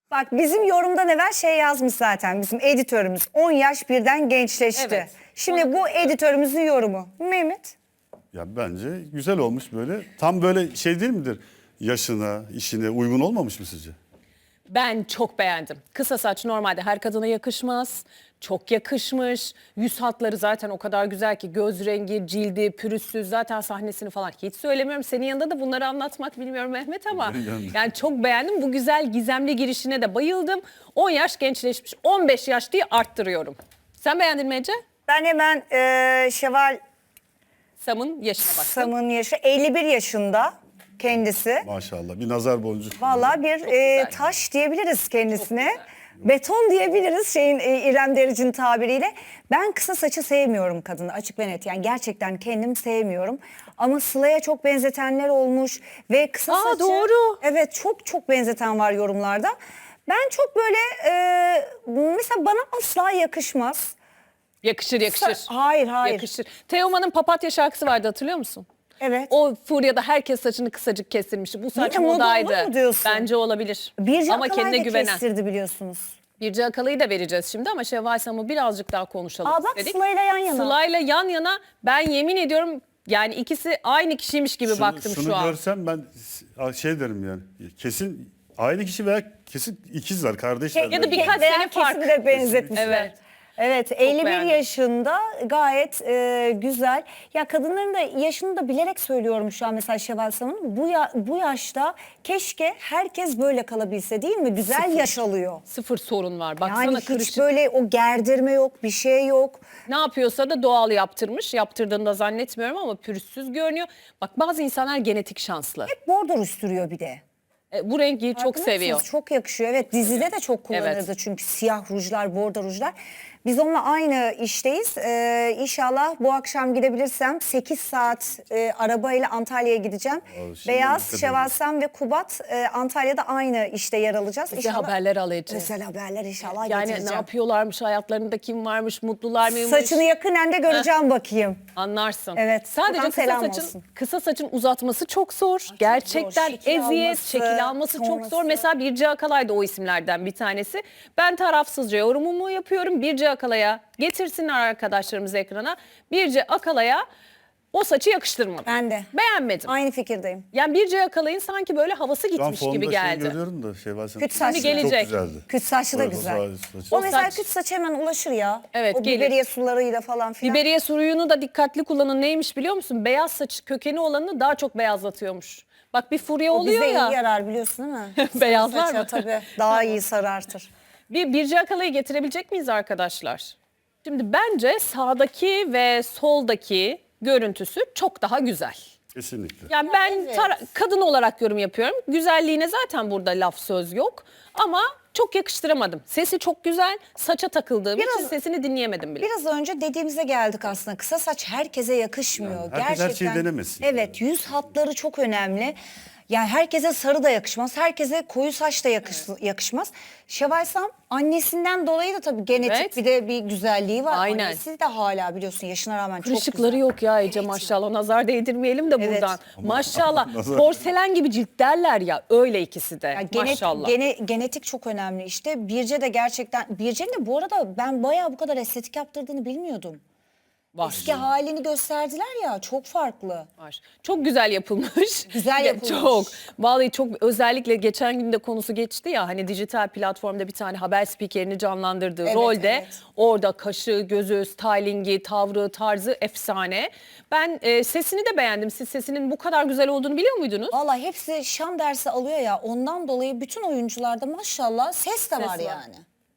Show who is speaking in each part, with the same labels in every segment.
Speaker 1: Bak bizim yorumdan evvel şey yazmış zaten bizim editörümüz. 10 yaş birden gençleşti.
Speaker 2: Evet.
Speaker 1: Şimdi bu editörümüzün yorumu. Mehmet?
Speaker 3: Ya bence güzel olmuş böyle. Tam böyle şey değil midir? Yaşına, işine uygun olmamış mı sizce?
Speaker 2: Ben çok beğendim. Kısa saç normalde her kadına yakışmaz. Çok yakışmış. Yüz hatları zaten o kadar güzel ki göz rengi, cildi, pürüzsüz. Zaten sahnesini falan hiç söylemiyorum. Senin yanında da bunları anlatmak bilmiyorum Mehmet ama yani çok beğendim. Bu güzel gizemli girişine de bayıldım. 10 yaş gençleşmiş. 15 yaş diye arttırıyorum. Sen beğendin mi Ece?
Speaker 1: Ben hemen Şevval
Speaker 2: Sam'ın yaşına baktım.
Speaker 1: Sam'ın yaşı 51 yaşında kendisi.
Speaker 3: Maşallah bir nazar boncuğu.
Speaker 1: Vallahi bir
Speaker 2: güzel.
Speaker 1: taş diyebiliriz kendisine.
Speaker 2: Çok
Speaker 1: Beton diyebiliriz şeyin İrem Derici'nin tabiriyle. Ben kısa saçı sevmiyorum kadını açık ve net. Yani gerçekten kendim sevmiyorum. Ama Sıla'ya çok benzetenler olmuş ve kısa saçı.
Speaker 2: Doğru.
Speaker 1: Evet çok benzeten var yorumlarda. Ben çok böyle mesela bana asla yakışmaz.
Speaker 2: Yakışır yakışır.
Speaker 1: Hayır.
Speaker 2: Yakışır. Teoman'ın Papatya şarkısı vardı hatırlıyor musun?
Speaker 1: Evet.
Speaker 2: O furyada herkes saçını kısacık kestirmişti. Bu saç
Speaker 1: Yine moda
Speaker 2: modaydı.
Speaker 1: olur mu diyorsun?
Speaker 2: Bence olabilir.
Speaker 1: Birce
Speaker 2: Ama
Speaker 1: Akalay
Speaker 2: kendine
Speaker 1: da
Speaker 2: güvenen.
Speaker 1: kestirdi biliyorsunuz.
Speaker 2: Birce Akalay'ı da vereceğiz şimdi ama Şevval Sam'ı birazcık daha konuşalım
Speaker 1: Aa bak
Speaker 2: istedik.
Speaker 1: Sıla'yla yan yana.
Speaker 2: Sıla'yla yan yana ben yemin ediyorum yani ikisi aynı kişiymiş gibi baktım
Speaker 3: şunu
Speaker 2: şu an.
Speaker 3: görsem ben şey derim yani. Kesin aynı kişi veya kesin ikizler, kardeşler.
Speaker 2: Ya da birkaç
Speaker 1: Veya
Speaker 2: sene fark.
Speaker 1: kesimi de benzetmişler.
Speaker 2: Evet.
Speaker 1: Evet 51
Speaker 2: beğendim.
Speaker 1: yaşında gayet güzel. Ya kadınların da yaşını da bilerek söylüyorum şu an mesela Şevval Sam'ın. Bu yaşta keşke herkes böyle kalabilse değil mi? Güzel yaş alıyor.
Speaker 2: Sıfır sorun var. Baksana
Speaker 1: Yani hiç
Speaker 2: kırışık.
Speaker 1: böyle o gerdirme yok, bir şey yok.
Speaker 2: Ne yapıyorsa da doğal yaptırmış. Yaptırdığını da zannetmiyorum ama pürüzsüz görünüyor. Bak bazı insanlar genetik şanslı.
Speaker 1: Bordor üstürüyor bir de.
Speaker 2: Bu rengi çok
Speaker 1: Farkında
Speaker 2: seviyor.
Speaker 1: mısınız? Çok yakışıyor. Evet dizide de çok kullanırdı
Speaker 2: Evet.
Speaker 1: çünkü siyah rujlar, bordo rujlar. Biz onunla aynı işteyiz. İnşallah bu akşam gidebilirsem 8 saat arabayla Antalya'ya gideceğim.
Speaker 3: şimdi
Speaker 1: Beyaz,
Speaker 3: dikkat
Speaker 1: Şevval Sam ve Kubat Antalya'da aynı işte yer alacağız.
Speaker 2: Bize haberler alacağız.
Speaker 1: Özel haberler inşallah
Speaker 2: Yani
Speaker 1: getireceğim.
Speaker 2: ne yapıyorlarmış, hayatlarında kim varmış, mutlular mıymış?
Speaker 1: Saçını yakından da göreceğim bakayım.
Speaker 2: Anlarsın.
Speaker 1: Evet,
Speaker 2: Sadece
Speaker 1: buradan selam
Speaker 2: kısa
Speaker 1: olsun.
Speaker 2: saçın uzatması çok zor. Gerçekten
Speaker 1: Şekil
Speaker 2: eziyet,
Speaker 1: alması,
Speaker 2: şekil alması çok
Speaker 1: sonrası.
Speaker 2: zor. Mesela Birce Akalay da o isimlerden bir tanesi. Ben tarafsızca yorumumu yapıyorum. Birce Akalay'a getirsinler arkadaşlarımız ekrana. Birce Akalay'a o saçı yakıştırmadım.
Speaker 1: Ben de.
Speaker 2: Beğenmedim.
Speaker 1: Aynı fikirdeyim.
Speaker 2: Yani Birce Akalay'ın sanki böyle havası
Speaker 3: Şu an
Speaker 2: gitmiş gibi
Speaker 3: formda
Speaker 2: geldi.
Speaker 3: şey görüyorum da şey var.
Speaker 1: Küt saçlı.
Speaker 2: gelecek.
Speaker 3: Çok güzeldi.
Speaker 1: Küt saçlı da
Speaker 3: Evet,
Speaker 1: güzel.
Speaker 3: saçı.
Speaker 1: O mesela
Speaker 2: saç-
Speaker 1: küt saç hemen ulaşır ya.
Speaker 2: Evet,
Speaker 1: O
Speaker 2: gelir.
Speaker 1: biberiye sularıyla falan filan.
Speaker 2: Biberiye suyunu da dikkatli kullanın. Neymiş biliyor musun? Beyaz saç kökeni olanını daha çok beyazlatıyormuş. Bak bir furya
Speaker 1: O
Speaker 2: oluyor
Speaker 1: bize
Speaker 2: ya.
Speaker 1: iyi yarar biliyorsun değil mi?
Speaker 2: Beyazlar
Speaker 1: Saça
Speaker 2: mı?
Speaker 1: tabii daha iyi sarartır.
Speaker 2: Birce Akalay'ı getirebilecek miyiz arkadaşlar? Şimdi bence sağdaki ve soldaki görüntüsü çok daha güzel.
Speaker 3: Kesinlikle.
Speaker 2: Yani ben kadın olarak yorum yapıyorum. Güzelliğine zaten burada laf söz yok. Ama çok yakıştıramadım. Sesi çok güzel. Saça takıldığım için sesini dinleyemedim bile.
Speaker 1: Biraz önce dediğimize geldik aslında. Kısa saç herkese yakışmıyor.
Speaker 3: Yani herkes her şeyi denemesin.
Speaker 1: Evet yüz hatları çok önemli. Yani herkese sarı da yakışmaz. Herkese koyu saç da yakışmaz. Şevval Sam annesinden dolayı da tabii genetik
Speaker 2: Evet.
Speaker 1: bir de bir güzelliği var.
Speaker 2: Aynen.
Speaker 1: Annesi de hala biliyorsun yaşına rağmen çok
Speaker 2: Kırışıkları
Speaker 1: güzel.
Speaker 2: yok ya Ece maşallah. Nazar değdirmeyelim de
Speaker 1: Evet.
Speaker 2: buradan. Maşallah.
Speaker 3: Nazar-
Speaker 2: Porselen gibi cilt derler ya. Öyle ikisi de.
Speaker 1: Ya
Speaker 2: Maşallah.
Speaker 1: genetik çok önemli işte. Birce de gerçekten, Birce'nin de bu arada ben bayağı bu kadar estetik yaptırdığını bilmiyordum.
Speaker 2: Var.
Speaker 1: Eski halini gösterdiler ya çok farklı.
Speaker 2: Var. Çok güzel yapılmış.
Speaker 1: Güzel
Speaker 2: Ya,
Speaker 1: yapılmış.
Speaker 2: Çok. Vallahi çok özellikle geçen gün de konusu geçti ya hani dijital platformda bir tane haber spikerini canlandırdığı
Speaker 1: Evet,
Speaker 2: rolde
Speaker 1: evet.
Speaker 2: orada kaşı, gözü, stylingi, tavrı, tarzı efsane. Ben sesini de beğendim. Siz sesinin bu kadar güzel olduğunu biliyor muydunuz?
Speaker 1: Vallahi hepsi şan dersi alıyor ya ondan dolayı bütün oyuncularda maşallah ses de var
Speaker 2: var.
Speaker 1: yani.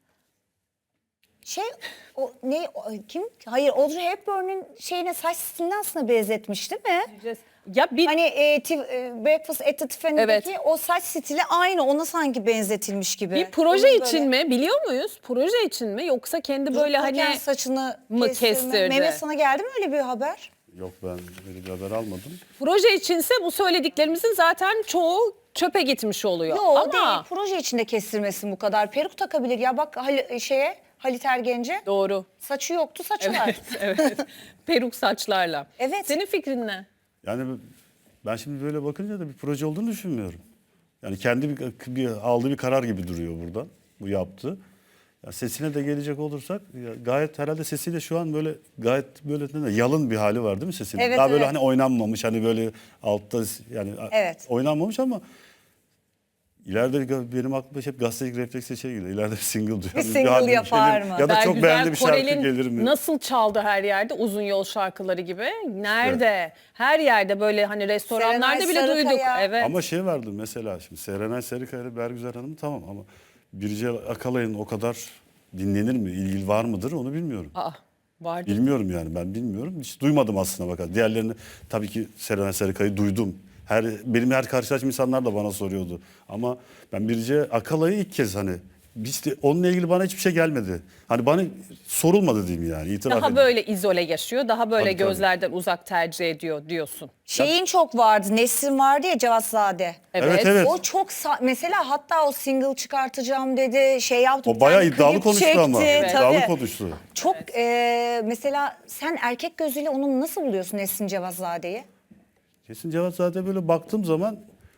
Speaker 1: Kim? Hayır Audrey Hepburn'un şeyine saç stilini aslında benzetmiş değil mi?
Speaker 2: Ya bir
Speaker 1: Hani Breakfast at the Tiffany'deki
Speaker 2: Evet.
Speaker 1: o saç stili aynı ona sanki benzetilmiş gibi.
Speaker 2: bir proje
Speaker 1: Onun
Speaker 2: için mi biliyor muyuz? Proje için mi yoksa kendi böyle
Speaker 1: Dururken
Speaker 2: hani
Speaker 1: saçını
Speaker 2: mı
Speaker 1: kestirme.
Speaker 2: kestirdi?
Speaker 1: Mehmet sana geldi mi öyle bir haber?
Speaker 3: Yok ben böyle bir haber almadım.
Speaker 2: proje içinse bu söylediklerimizin zaten çoğu çöpe gitmiş oluyor.
Speaker 1: Yok
Speaker 2: Ama
Speaker 1: değil proje içinde kestirmesin bu kadar. Peruk takabilir ya bak Halit Ergenci
Speaker 2: doğru.
Speaker 1: saçı yoktu saçı var.
Speaker 2: Evet. Peruk saçlarla.
Speaker 1: Evet.
Speaker 2: Senin fikrin ne?
Speaker 3: Yani ben şimdi böyle bakınca da bir proje olduğunu düşünmüyorum. Yani kendi aldığı bir karar gibi duruyor buradan bu yaptığı. Ya sesine de gelecek olursak gayet herhalde sesiyle şu an böyle gayet böyle yalın bir hali var değil mi sesinin?
Speaker 1: Evet,
Speaker 3: Daha böyle
Speaker 1: evet.
Speaker 3: hani oynanmamış hani böyle altta yani
Speaker 1: Evet.
Speaker 3: oynanmamış ama ileride benim aklıma hep gazetecilik refleksi şey geliyor. İleride bir single duyuyorum.
Speaker 1: Bir single
Speaker 3: albüm
Speaker 1: yapar
Speaker 3: gelir
Speaker 1: mı?
Speaker 3: Ya da çok
Speaker 2: Bergüzar
Speaker 3: beğendiği bir şarkı
Speaker 2: Korel'in
Speaker 3: gelir mi?
Speaker 2: nasıl çaldı her yerde uzun yol şarkıları gibi. Nerede? Her yerde böyle hani restoranlarda
Speaker 1: Serenay
Speaker 2: bile duyduk.
Speaker 1: Sarıkaya.
Speaker 2: Evet.
Speaker 3: Ama şey vardı mesela şimdi Serenay Sarıkaya ile Bergüzar Hanım tamam ama Birce Akalay'ın o kadar dinlenir mi, ilgili var mıdır onu bilmiyorum.
Speaker 2: Aa, vardı.
Speaker 3: Bilmiyorum yani ben bilmiyorum. Hiç duymadım aslına bakar. Diğerlerini tabii ki Serenay Sarıkaya'yı duydum. Benim her karşılaştığım insanlar da bana soruyordu. Ama ben Birce Akalay'ı ilk kez hani işte onunla ilgili bana hiçbir şey gelmedi. Hani bana sorulmadı diyeyim yani itiraf
Speaker 2: Daha
Speaker 3: edeyim.
Speaker 2: böyle izole yaşıyor, daha böyle
Speaker 3: Tabii, tabii.
Speaker 2: gözlerden uzak tercih ediyor diyorsun.
Speaker 1: Şeyin çok vardı. Nesrin vardı ya, Cevatzade.
Speaker 3: Evet, evet.
Speaker 1: O çok mesela hatta o single çıkartacağım dedi, şey yaptı.
Speaker 3: O
Speaker 1: bir
Speaker 3: bayağı
Speaker 1: tane
Speaker 3: iddialı
Speaker 1: klip
Speaker 3: konuştu
Speaker 1: çekti,
Speaker 3: ama.
Speaker 1: tabii.
Speaker 3: İddialı konuştu.
Speaker 1: Çok mesela sen erkek gözüyle onu nasıl buluyorsun Nesrin Cevazzade'yi?
Speaker 3: Kesin Cevatzade böyle baktığım zaman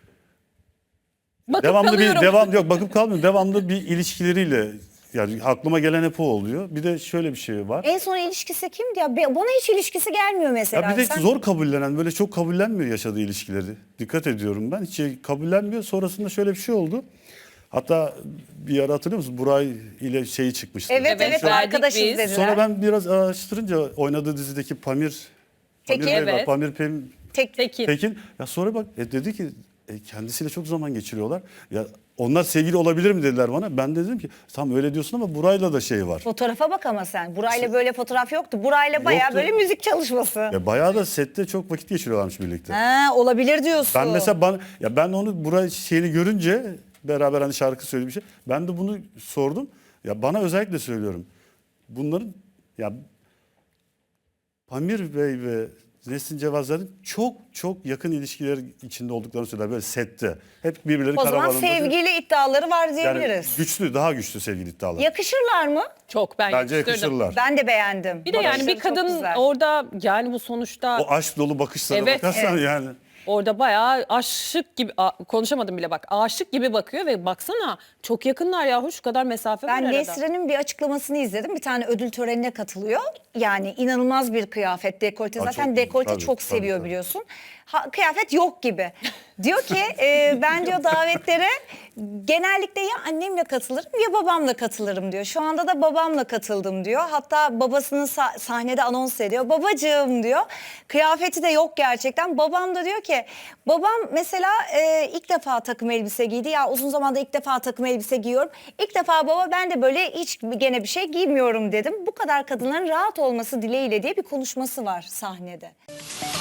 Speaker 2: Bakıp
Speaker 3: devamlı
Speaker 2: kalıyorum.
Speaker 3: yok bakıp kalmıyorum. Devamlı bir ilişkileriyle yani aklıma gelen hep o oluyor. Bir de şöyle bir şey var.
Speaker 1: En son ilişkisi kimdi ya? Bana hiç ilişkisi gelmiyor mesela.
Speaker 3: Ya bir de
Speaker 1: Sen-
Speaker 3: zor kabullenen böyle çok kabullenmiyor yaşadığı ilişkileri. Dikkat ediyorum ben. Hiç kabullenmiyor. Sonrasında şöyle bir şey oldu. Hatta bir ara hatırlıyor musun? Buray ile şeyi çıkmıştı.
Speaker 1: Evet
Speaker 2: Evet,
Speaker 1: evet,
Speaker 2: verdik
Speaker 1: arkadaşız
Speaker 2: biz.
Speaker 1: dediler.
Speaker 3: Sonra ben biraz araştırınca oynadığı dizideki Pamir
Speaker 1: Tekin.
Speaker 3: Bey var.
Speaker 2: Evet.
Speaker 3: Pamir
Speaker 2: Tekin.
Speaker 3: Tekin. Ya sonra bak dedi ki kendisiyle çok zaman geçiriyorlar. Ya onlar sevgili olabilir mi dediler bana. Ben de dedim ki tam öyle diyorsun ama Buray'la da şey var.
Speaker 1: Fotoğrafa bak ama sen. Burayla böyle fotoğraf yoktu. Burayla bayağı
Speaker 3: Yoktu.
Speaker 1: böyle müzik çalışması.
Speaker 3: Ya bayağı da sette çok vakit geçiriyorlarmış birlikte.
Speaker 1: Ha, olabilir diyorsun.
Speaker 3: Ben mesela ben onu Buray şeyini görünce beraber hani şarkı söylediği bir şey. Ben de bunu sordum. Ya bana özellikle söylüyorum. Bunların ya Pamir Bey ve Nesrin Cevazlar'ın çok yakın ilişkiler içinde olduklarını söyler böyle sette. Hep birbirleri
Speaker 1: O zaman
Speaker 3: karavanında.
Speaker 1: sevgili iddiaları var
Speaker 3: Yani
Speaker 1: diyebiliriz.
Speaker 3: daha güçlü sevgili iddialar.
Speaker 1: Yakışırlar mı?
Speaker 2: Çok ben
Speaker 3: Bence
Speaker 2: yakıştırdım.
Speaker 3: yakışırlar.
Speaker 1: Ben de beğendim.
Speaker 2: Bir de yani bir
Speaker 1: Bakışları çok
Speaker 2: kadın
Speaker 1: güzel.
Speaker 2: orada yani bu sonuçta
Speaker 3: O aşk dolu bakışlara
Speaker 2: Evet,
Speaker 3: bakarsan
Speaker 1: evet.
Speaker 3: yani.
Speaker 2: orada bayağı aşık gibi konuşamadım bile bak. Aşık gibi bakıyor ve baksana çok yakınlar yahu şu kadar mesafe var
Speaker 1: Ben
Speaker 2: arada.
Speaker 1: Nesrin'in bir açıklamasını izledim. Bir tane ödül törenine katılıyor. Yani inanılmaz bir kıyafet, dekolte.
Speaker 3: Aa,
Speaker 1: Zaten
Speaker 3: çok-
Speaker 1: dekolte
Speaker 3: tabii,
Speaker 1: çok
Speaker 3: tabii,
Speaker 1: seviyor
Speaker 3: tabii.
Speaker 1: biliyorsun. Kıyafet yok gibi. Diyor ki ben diyor davetlere genellikle ya annemle katılırım ya babamla katılırım diyor. Şu anda da babamla katıldım diyor. Hatta babasının sahnede anons ediyor. Babacığım diyor. Kıyafeti de yok gerçekten. Babam da diyor ki babam mesela ilk defa takım elbise giydi. Ya uzun zamandır ilk defa takım elbise giyiyorum. İlk defa baba ben de böyle hiç gene bir şey giymiyorum dedim. Bu kadar kadınların rahat olması dileğiyle diye bir konuşması var sahnede.